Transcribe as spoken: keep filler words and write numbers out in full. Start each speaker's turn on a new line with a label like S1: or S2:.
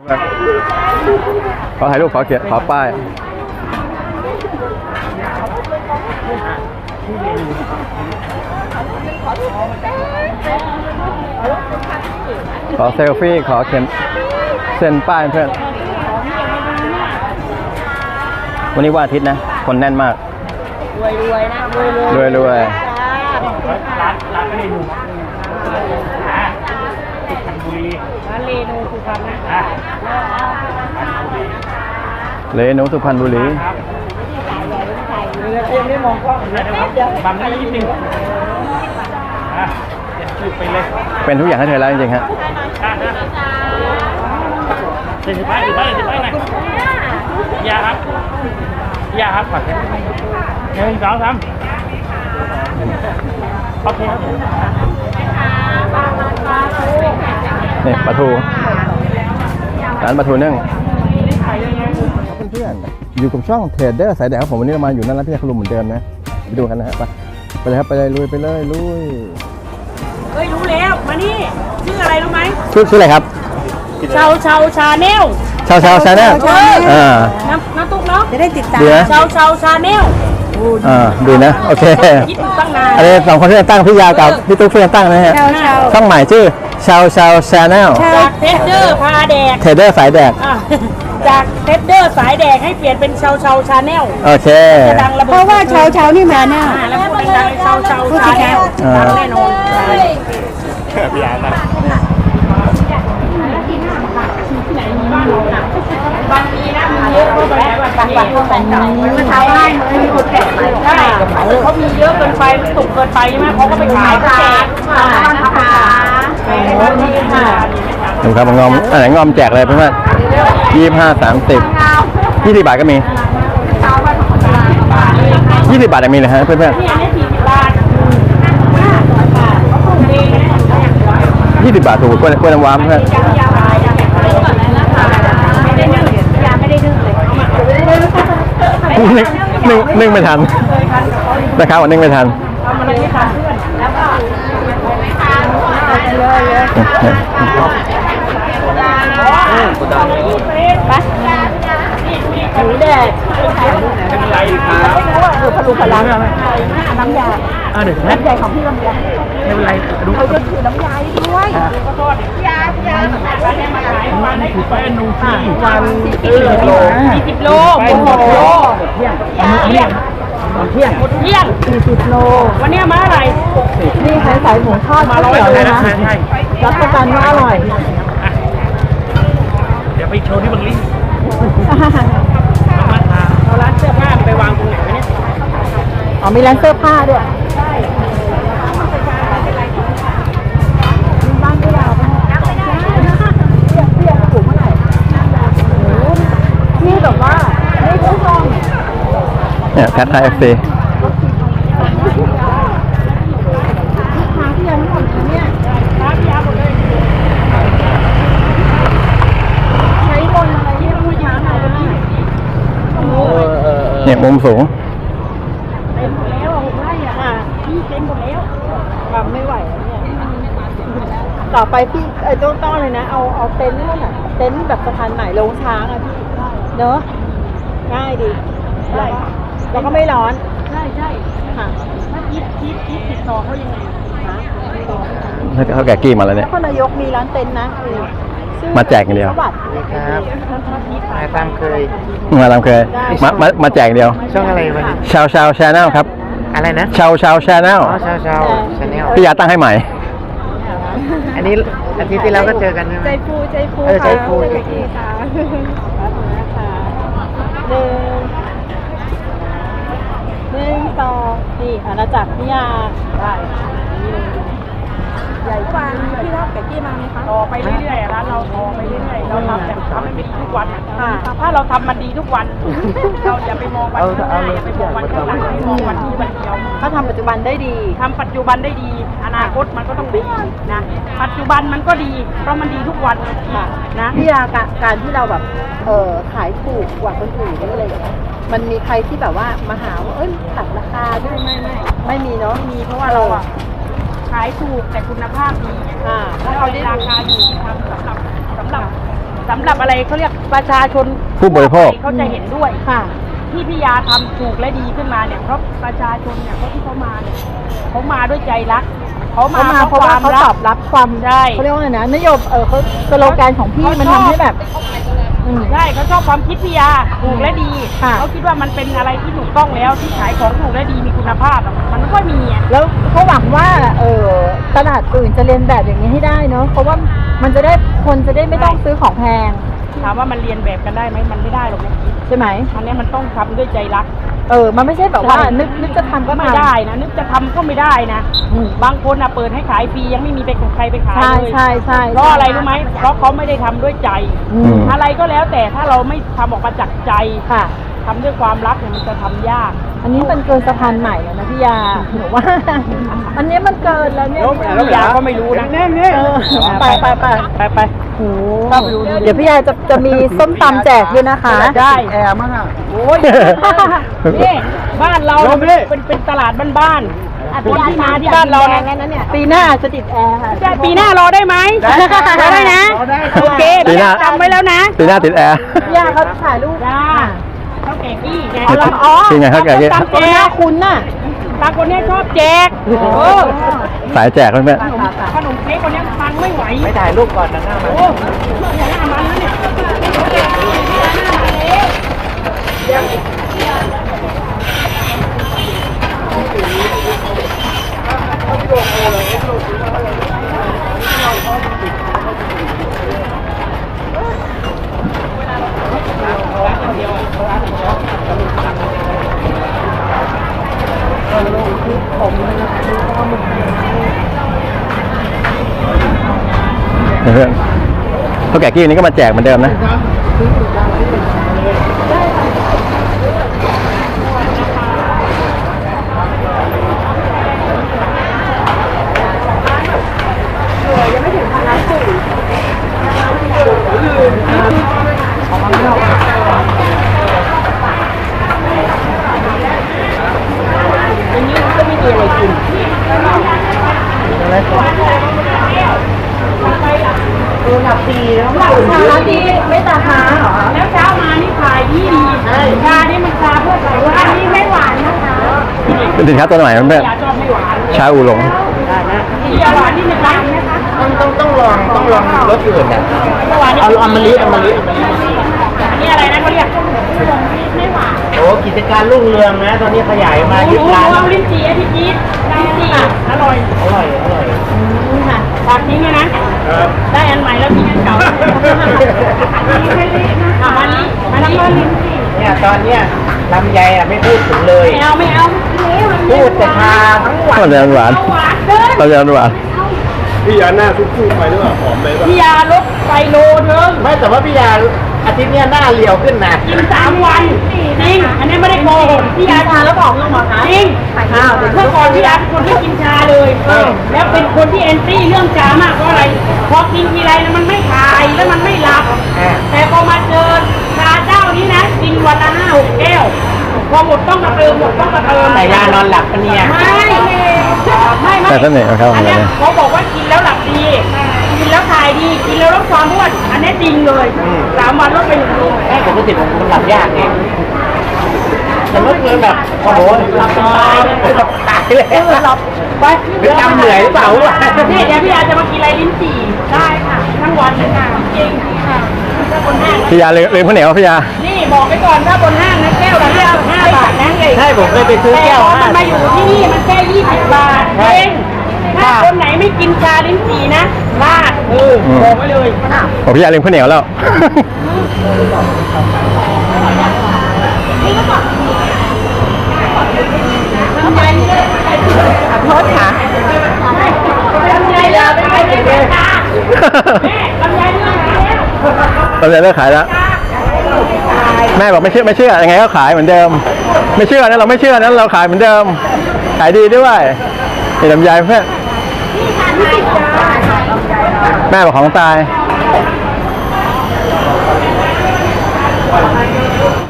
S1: ขอถ่ายรูปขอเขียนขอป้ายขอเซลฟี่ขอเขียนเซ็นป้ายเพื่อนวันนี้วันอาทิตย์นะคนแน่นมากรวยรวยนะรวยรวย
S2: ร้านร้านเรนูสุพรรณบุรีร้านเรนูสุพรรณนะ
S1: เรนูสุพรรณบุรี
S2: ยังไม่มองกล้องบังได้นิดนึงเดี๋ยวจุดไปเลย
S1: เป็นทุกอย่างให้เธอแล้วจริงๆฮะ
S2: เดี๋ยวสิบไปสิบไปสิบไปหน่อยยาครับยาครับขอแค่หนึ่งสองสามโอเคครับ
S1: นี่ปลาทูร้านปลาทูนึ่งเพื่อนๆอยู่กับช่องเทรดเดอร์สายแดงครับผมวันนี้เรามาอยู่นั่นแล้วพี่คลุมเหมือนเดิมนะไปดูกันนะฮะไปไปเลยครับไปเลยลุยไปเลยลุย
S3: เฮ้ยรู้แล้วมานี่ชื่ออะไรรู้ไหม
S1: ชื่อชื่ออะไรครับ
S3: ชาวชาวชาแนล
S1: ชาวชาวชาแนลอ่า
S3: น้ำน้ำตุ๊กเนาะ
S4: จะได้ติดตาม
S3: ชาวชาวชาแนล
S1: อ่าดีนะโอเค
S3: คิดตั้งนาน
S1: อันนี้สองคนที่จะตั้งพี่ยาวกับพี่ตุ๊กเพื่อนตั้งนะฮะช่องใหม่ชื่อชาวชาวชาแนล
S3: จากเทสเดอร์พาแดก
S1: เทรดเดอร์สายแดก
S3: จากเทสเดอร์สายแดกให้เปลี่ยนเป็นชาวชาวชาแนล
S1: โอเค
S4: เพราะว่าชาวชาวนี่มาแน่
S3: แล้วพูดดังๆชาวชาวชาแนลแน่นอน
S2: พี่ยานะ
S3: บางทีนะมีเยอะเข้าไปแล้วบางวันเขาแต่งต่างมันทำให้มันมีคนแก่ใช่เขามีเยอะเกินไปมันสุกเกินไปใช่ไหมเขาก็ไปขายแจก
S1: ดูครับงอมอันไหนงอมแจกเลยเพื่อนๆยี่สิบห้าสามสิบยี่สิบบาทก็มียี่สิบบาทจะมีเลยฮะเพื่อนๆยี่สิบบาทถูกกล้วยกล้วยน้ำว้าเพื่อนนึ่งนึ่งนึ่งไม่ทันนะครับวันนึ่งไม่ทัน
S3: หมูแดด
S2: เป็นไรครับ
S3: คือพลุพลังน้ำยาน้ำยาของพี่ลำไย
S2: ไม่เป็นไรดู
S3: เขาจะถือน้ำยาด้วยขอโทษยายา
S2: วันถือไปอนุที่
S3: วันสี่สิบโลสี่สิบโลหมดโลเที่ยงเที่ยงเที่ยงเที่ยงสี่สิบโลวันนี้มาอะไร
S4: นี่ขายสายหมูทอด
S2: มาร้อยเลยนะ
S4: รับประกันว่าอร่อย
S2: เดี๋ยวไปโชว์ที่บังลี่
S3: เอาร้านเสื้อผ้าไปวางตรงไหนวะเนี่ย
S4: อ๋อมีร้านเสื้อผ้าด้วยบ้านที่เราเพียงถูกเมื่อไหร่นี่แบบว่าไม่รู้ห้อง
S1: เนี่ยแพทไทยเอฟซีเนี่ยมุมสูง
S3: เต็มหมดแล้วหกไร่อ่ะพี่เต็มหมดแล้วทำไม่ไหวเนี่ย
S4: ต่อไปพี่ไอ้ต้นต้นเลยนะเอาเอาเต็นท์นั่นน่ะเต็นท์แบบสะพานใหม่ลงช้างอ่ะพี่เนอะง่ายดีใช่แล้วก็ไม่ร้อน
S3: ใช่ใช่ค่ะถ้าคิดคิดคิดติดต่อเขายังไง
S1: เขาแก่กี้มาแล้วเนี่ย
S4: นครนายกมีร้านเต็นท์นะ
S1: มาแจกอย่างเดียว
S2: ครับมาตามเคย
S1: มาตามเคยมามามาแจกเดียว
S2: ช่องอะไรวันนี้
S1: ชาวชาวชาแนลครับ
S2: อะไรนะ
S1: ชาวชาวชาแนล
S2: อ๋อชาวชาวชาแนล
S1: พี่ยาตั้งให้ใหม่
S2: อันนี้อาทิตย์ที่แล้วก็เจอกันใช่ไหม
S4: ใจฟูใจฟู
S2: เออใจฟูใจฟู
S4: ค่ะหนึ่งหนึ่งสองนี่อาณาจักรพี่ยาได้ใหญ่กว่าพี่ท็อปกับกี้มาไหมคะ
S3: ต่อไปเรื่อยๆร้านเราต่อไปเรื่อยๆเราทำแบบทำให้มันดีทุกวันถ้าเราทำมันดีทุกวันเราอย่าไปมองวันข้างหน้าอย่าไปมองวันข้างหลังให้มองวันนี้วันเดียว
S4: ถ้าทำปัจจุบันได้ดี
S3: ทำปัจจุบันได้ดีอนาคตมันก็ต้องดีนะปัจจุบันมันก็ดีเพราะมันดีทุกวันนะ
S4: พี่ยาการที่เราแบบเออขายถูกกว่าคนอื่นนี่อะไรอย่างเงี้ยมันมีใครที่แบบว่ามาหาว่าเอ้ยตัดราคาด้วยไม่ไม่ไม่มีเนาะ
S3: มีเพราะว่าเราอะขายถูกแต่คุณภาพดีแล้วเราได้ราคาอยู่ที่ทำสำหรับสำหรับสำหรับอะไรเขาเรียกประชาชน
S1: ผู้บริโภค
S3: เขาจะเห็นด้วย
S4: ค่ะ
S3: ที่พี่ยาทำถูกและดีขึ้นมาเนี่ยเพราะประชาชนเนี่ยเขาที่เขามาเนี่ยเขามาด้วยใจรักเขามา
S4: เขามาเพราะว่าเขาตอบรับความ
S3: ใช่
S4: เขาเรียกว่าไงนะนโยบายเออเขาสโลแกนของพี่มันทำให้แบบอืม
S3: ใช่เขาชอบความคิดพี่ยาถูกและดี
S4: ค่ะ
S3: เขาคิดว่ามันเป็นอะไรที่ถูกต้องแล้วที่ขายของถูกและดีมีคุณภาพอะมันไม่ค่อยมีอะ
S4: แล้วเขาหวังว่าเออตลาดอื่นจะเรียนแบบอย่างนี้ให้ได้เนาะเพราะว่ามันจะได้คนจะได้ไม่ต้องซื้อของแพง
S3: ถามว่ามันเรียนแบบกันได้ไหมมันไม่ได้หรอกนะ
S4: ใช่ไหม
S3: อันนี้มันต้องทำด้วยใจรัก
S4: เออมันไม่ใช่แบบว่า
S3: ใช่
S4: นึกนึกจะทำก็
S3: ไม่
S4: ทำ
S3: ได้นะนึกจะทำก็ไม่ได้นะ
S4: อืม
S3: บางคนอ่ะเปิดให้ขายฟรียังไม่มีไปใครไปขาย
S4: ใช่
S3: เลย
S4: ใช่ใช่
S3: เพราะอะไรรู้ไหมเพราะเขาไม่ได้ทำด้วยใจ
S4: อืม
S3: อะไรก็แล้วแต่ถ้าเราไม่ทำออกมาจากใจ
S4: ค่ะ
S3: ทำด้วยความรักเนี่ยมันจะทำยาก
S4: อันนี้มันเกินสะพานใหม่แล้วนะพี่ยาหนูว่า อันนี้มันเกินแล้วเนี่ย
S3: พี่ยาก็ไม่รู้นะ
S4: เออไปไปไป
S3: ไปไป
S4: โอ้เดี๋ยวพี่ยาจะจะมีส้มตำแจกด้วยนะคะ
S3: ได้
S2: แอร์มั้งอ่ะ
S3: โอ้ยนี่บ้านเราเป็นเป็นตลาดบ้านๆคนที่มาที่บ้านเราเนี่ย
S4: ปีหน้าจะติดแอร์ค่ะ
S3: ได้ปีหน้ารอได้ไหมรอได้นะโอเค
S1: ปีหน้า
S3: จำไว้แล้วนะ
S1: ปีหน้าติดแอร์
S4: พี่ยาเขาถ่ายรูป
S3: จ้าเท่าแก่กี้ไง
S4: อ๋อแล้วอ๋อ
S1: จริงไงเท่าแก่กี้
S3: ตาม
S4: คน
S3: แจ
S4: หน้าก คุ้นน่ะ
S3: ตาคนเนี้ยชอบแจกเออ
S1: สายแจกเพื่อน
S3: ขนมเค้กคนเนี้ยฟังไม่ไหว
S2: ไม่ถ่ายรูปก่อนนะหน้ามา
S3: โอ้หน้ามันแล้วเนี่ย
S1: ๆเพื่อนเท่าแก่กี้วันนี้ก็มาแจกเหมือนเดิมนะ
S3: อย่างนี้ก็ไม่มีอะไรกิน
S4: หลับดีแล้วหลับช้าดีไม่ตาค้าเหรอ
S3: แล้วเช้ามานี่ขายดีดีชานี่มันชาเพื่อใส่ว่าอันนี้ไม่หวานนะคะ
S1: เป็นสินค้าตัวใหม่เพื่อน
S3: ยาชอบไม่หวาน
S1: ๆชาอูหลง
S3: ที่หวานนี่มันหวานนะคะ
S2: ต้องต้องต้องลองต้องลองรสอื่นอ่ะ
S3: หวานนี่
S2: เอาอมฤตอมฤต
S3: อันนี้อะไรนะเขาเรียกไม่หวาน
S2: โอ้กิจการรุ่งเรืองนะ ตอนนี้ขยายมา
S3: ห
S2: ยึ
S3: นู
S2: ดร้าน
S3: เอาลิ้นจี่ให้พี่จี๊ดลิ้นจี่อร่อย
S2: อร่อยอร่อย
S3: ค่ะฝากทิ้งเลยนะ ได้อันใหม่แล้วทิ้งอันเก่าอ่ะมานี้มานี้ลิ้นจี่
S2: เนี่ยตอนเนี้ยลำไยอ่ะไม่พูดถึงเลย
S3: ไม่เอาไม่เอา
S2: พูดแต่ชาทั้งวัน
S1: ก็จะหวาน
S3: เอาหวานเกิน
S1: เราจะหวาน
S5: พี่ยาหน้าซุปๆไปหรือเปล่าหอมไปป่ะ
S3: พี่ยาลดไปโลนึง
S2: ไม่แต่ว่าพี่ยาอาทิตย์เนี้ยหน้าเรียวขึ้นนะ
S3: กินสามวันจริง อันนี้ไม่ได้โกหกพี่ยาทานแล้วผอมลงเหรอคะจริงเมื่อก่อนพี่ยาเป็นคนไม่กินชาเลยแล้วเป็นคนที่แอนตี้เรื่องชามากเพราะอะไรพอกินทีไรแล้วมันไม่คายแล้วมันไม่หลับ แต่พอมาเจอชาเจ้านี้นะกินวันละห้าหกแก้วพอหมดต้องมาเติมหมดต้องมาเติม
S2: แต่ยานอนหลับปะเนี่ย
S3: ไม่ไม่ไม่
S1: แต่เสน่ห์ของเขา
S3: อันเนี้ย
S1: เนี่ย
S3: เขาบอกว่ากินแล้วหลับดี กินแล้วถ่ายดี กินแล้วลดความอ้วน อันนี้จริงเลยสามวันลดไปหนึ่งโล
S2: แม่ปกติผมคนหลับยากไงแต่เมื่อคืนแบบโอ้โหหลับตายหลับตายเลย
S3: เออหลับไป
S2: เป็นจำเหนื่อยหรือเปล่า
S3: นี่เดี๋ยวพี่อาจะมากินอะไรลิ้นจี่ได้ค่ะ ทั้งวันเลยค่ะจริงค่ะถ้าบนห้าง
S1: พี่ยาเลยเลยข้าวเหนียวพี่ยา
S3: นี่บอกไปก่อนถ้าบนห้างนะแก้วละห้าห้าบาทนะเลย
S2: ใช่ผมเคยไปซื้อแก้ว
S3: ต่พอ
S2: ห้า
S3: มันมาอยู่ที่นี่มันแค่ยี่สิบบาทเองถ้าคนไหนไม่กินชาลิ้นจี่นะพลาดเออบอกไว้เลย
S1: โอ้พี่ยาลืมข้าวเหนียวแล้ว
S3: ทำไมขอโทษค่ะลำไยเลยไปไปเลยแม่ลำไยเรื่องแล้ว
S1: เราจะเลิกขายแล้ว แม่บอกไม่เชื่อไม่เชื่อยังไงก็ขายเหมือนเดิม ไม่เชื่อนะเราไม่เชื่อนั้นเราขายเหมือนเดิม ขายดีด้วยเห็นลำไยเพื่อนแม่บอกของตาย